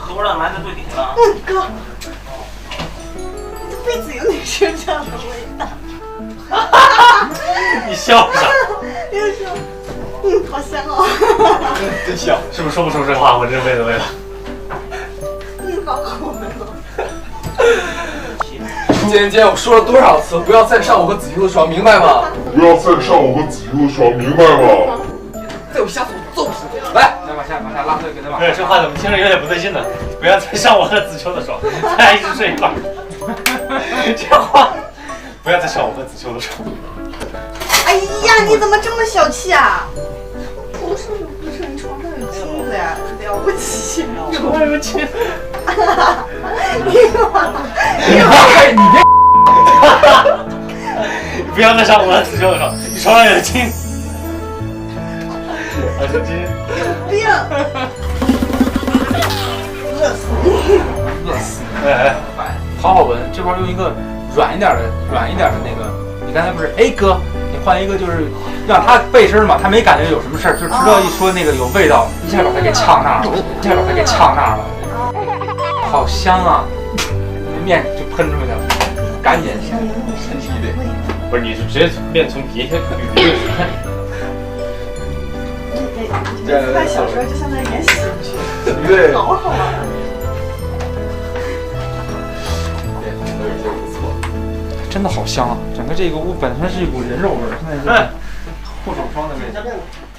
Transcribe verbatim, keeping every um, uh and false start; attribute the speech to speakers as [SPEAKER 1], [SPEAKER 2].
[SPEAKER 1] 可不让男的对顶了。
[SPEAKER 2] 嗯，哥，这辈子有女生这样的味道。
[SPEAKER 1] 你笑啥？
[SPEAKER 2] 又说，嗯，好香哦。
[SPEAKER 3] 真香，
[SPEAKER 1] 是不是说不出这话？我这辈子味道。
[SPEAKER 2] 嗯，好好闻哦。
[SPEAKER 3] 姐姐，我说了多少次，不要再上我和子秋的床，明白吗？
[SPEAKER 4] 不要再上我和子悠的床，明白吗？
[SPEAKER 3] 再有下次我揍死你！来，再往下往下拉回，给他往下。
[SPEAKER 1] 对，这话怎么听着有点不对劲呢？不要再上我和子秋的床，咱俩一直睡一块儿。这话，不要再上我和子秋的床。
[SPEAKER 2] 哎呀，你怎么这么小气啊？不是不是，你床上有镜子呀，了不起。
[SPEAKER 1] 床上有镜子。
[SPEAKER 2] 你妈，
[SPEAKER 3] 你妈，你别。
[SPEAKER 1] 你不要再上我和子秋的床，你床上有镜子。我是真
[SPEAKER 2] 有病！饿死你！
[SPEAKER 3] 饿死你！
[SPEAKER 1] 哎，
[SPEAKER 3] 好好闻，这块用一个软一点的、软一点的那个。你刚才不是？哎哥，你换一个就是让他背身嘛，他没感觉有什么事儿，就知道一说那个有味道，一下把他给呛那儿了，一下把他给呛那儿了。好香啊！面就喷出去了，赶紧喷第一杯。
[SPEAKER 1] 不是，你是直接面从鼻涕鼻子出来。
[SPEAKER 2] 这在小时候就像在演喜剧，
[SPEAKER 3] 对，
[SPEAKER 2] 好好玩。
[SPEAKER 3] 真的好香啊！整个这个屋本身是一股人肉味儿，现在是护手霜的味道。